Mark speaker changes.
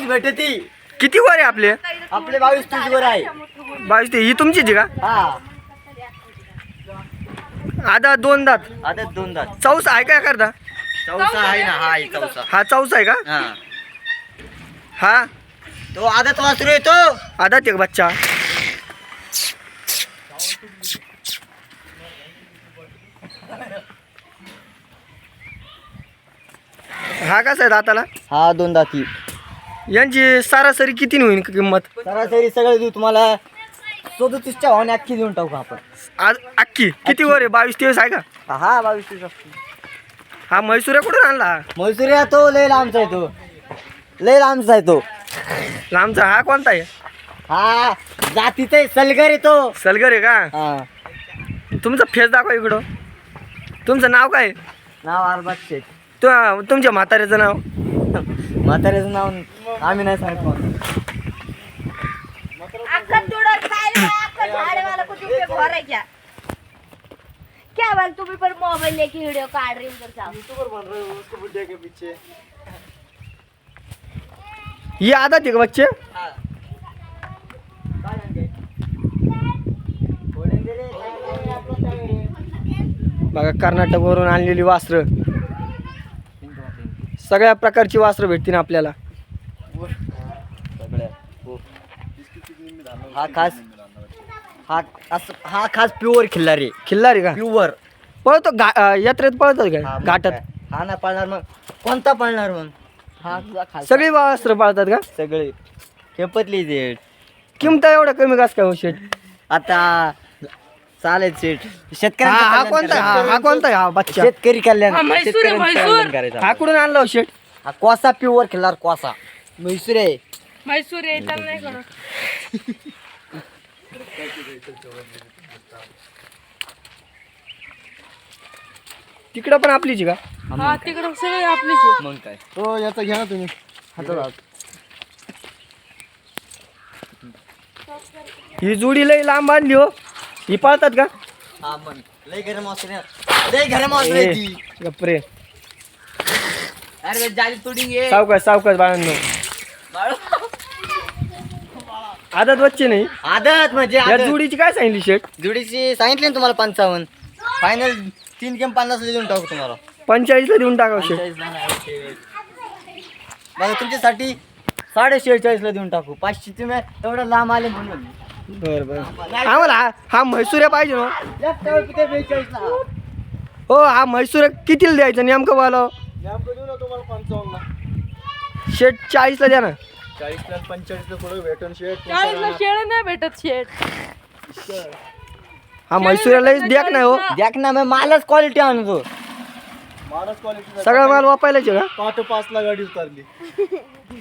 Speaker 1: 22 भेटती.
Speaker 2: किती वर आहे आपले?
Speaker 1: आपले 22-23 वर आहे.
Speaker 2: 22 ही तुमचीच आहे का?
Speaker 1: हा
Speaker 2: आधा 2 दात.
Speaker 1: आता 2 दात.
Speaker 2: चौसा आहे काय करता?
Speaker 1: चौसा आहे ना. हा आहे चौसा.
Speaker 2: हा चौसा आहे का?
Speaker 1: हा
Speaker 2: हा
Speaker 1: तो आदत वासरू येतो.
Speaker 2: आधा ते बच्चा. हा कसा आहे दाताला?
Speaker 1: हा 2 दाती.
Speaker 2: यांची सरासरी किती होईल किंमत?
Speaker 1: सरासरी सगळं देऊ तुम्हाला 37च्या भावाने अख्खी देऊन टाकू आपण.
Speaker 2: आज अक्की किती वर आहे? 22-23 आहे का?
Speaker 1: हा 22-23.
Speaker 2: हा म्हैसूर कुठून आणला? हा
Speaker 1: म्हैसूर तो लय लांबचा आहे तो. लय लांबचा आहे तो.
Speaker 2: लांबचा हा कोणता आहे?
Speaker 1: हा जातीचा आहे. सलगर येतो.
Speaker 2: सलगर आहे का?
Speaker 1: हा
Speaker 2: तुमचा फेस दाखवा इकडं. तुमचं नाव काय आहे?
Speaker 1: नाव अरबाज शेख.
Speaker 2: तुमच्या म्हाताऱ्याचं नाव?
Speaker 1: म्हाताऱ्याचं नाव आम्ही नाही सांगतो.
Speaker 3: क्या बात तुम्ही पर मोबाइल लेके वीडियो काट रही उधर जाओ
Speaker 1: यूट्यूबर बन रहे हो उसके बुड्ढे के पीछे.
Speaker 2: ये आधा ते बच्चे. बघा कर्नाटकवरून आणलेली वासरं. सगळ्या प्रकारची वासरं भेटतील आपल्याला.
Speaker 1: हा खास प्युअर खिल्लारी.
Speaker 2: खिल्लारी का?
Speaker 1: प्युअर
Speaker 2: पळतो यात्रेत पळतो का घाटात?
Speaker 1: हा ना पाळणार मग. कोणता पाळणार मग? हा तुझा खास.
Speaker 2: सगळी वासरं पाळतात का?
Speaker 1: सगळे खेपतली सेट.
Speaker 2: किंमत एवढं कमी कस काय हो शेट?
Speaker 1: आता चालेल सेट.
Speaker 2: हा कोणता हा कोणता आहे हा बच्चा?
Speaker 1: शेतकरी कल्याण.
Speaker 3: हा, म्हैसूर आहे,
Speaker 1: शेतकऱ्यांचं
Speaker 3: म्हैसूर.
Speaker 1: कल्याण करायचं.
Speaker 2: हा कुठून आणला हो शेट?
Speaker 1: हा कोसा प्युअर खिल्लार कोसा. म्हैसूर आहे.
Speaker 3: म्हैसूर येताना नाही करत.
Speaker 2: तिकडं पण आपलीच आहे का?
Speaker 3: हा तिकडं सगळे आपलीच
Speaker 1: मग काय
Speaker 2: हो याचा घ्या ना तुम्ही. ही जोडी लई लांब बांधली हो. ही पाळतात का?
Speaker 1: हा मग लय गरम असते. लय गरम असते ती.
Speaker 2: गप्रे
Speaker 1: अरे जाली तोडी घे.
Speaker 2: सावकाश बाळांनो. आदत बच्चे नाही.
Speaker 1: आदत म्हणजे
Speaker 2: या
Speaker 1: आदत.
Speaker 2: जोडीची काय सांगितली शेट?
Speaker 1: जुडीची सांगितले ना तुम्हाला 55. फायनल 3 किंवा 50 देऊन टाकू तुम्हाला.
Speaker 2: 45 ला देऊन टाकावं शेट.
Speaker 1: 45 ला नाही. बघा तुमच्यासाठी 46.5 ला देऊन टाकू. 500 तुम्ही एवढं लांब आले म्हणून.
Speaker 2: बरं आम्हाला हा म्हैसूर पाहिजे ना.
Speaker 1: जास्त वेळ किती 42 ला.
Speaker 2: हो हा म्हैसूर कितीला द्यायचं नेमकं बोलाव?
Speaker 1: नेमकं देऊ ना तुम्हाला 55 ला.
Speaker 2: शेट 40 ला द्या ना.
Speaker 1: 40 ला 45 ला थोडं भेटून शेट.
Speaker 3: 40ला शेळ नाही भेटत शेट.
Speaker 2: हा म्हैसूर लईच द्याक नाही हो.
Speaker 1: द्याक ना मग मालच क्वालिटी आणतो.
Speaker 2: सगळा माल वापायलाच आहे का?
Speaker 1: 5 ला गाडी उतरली.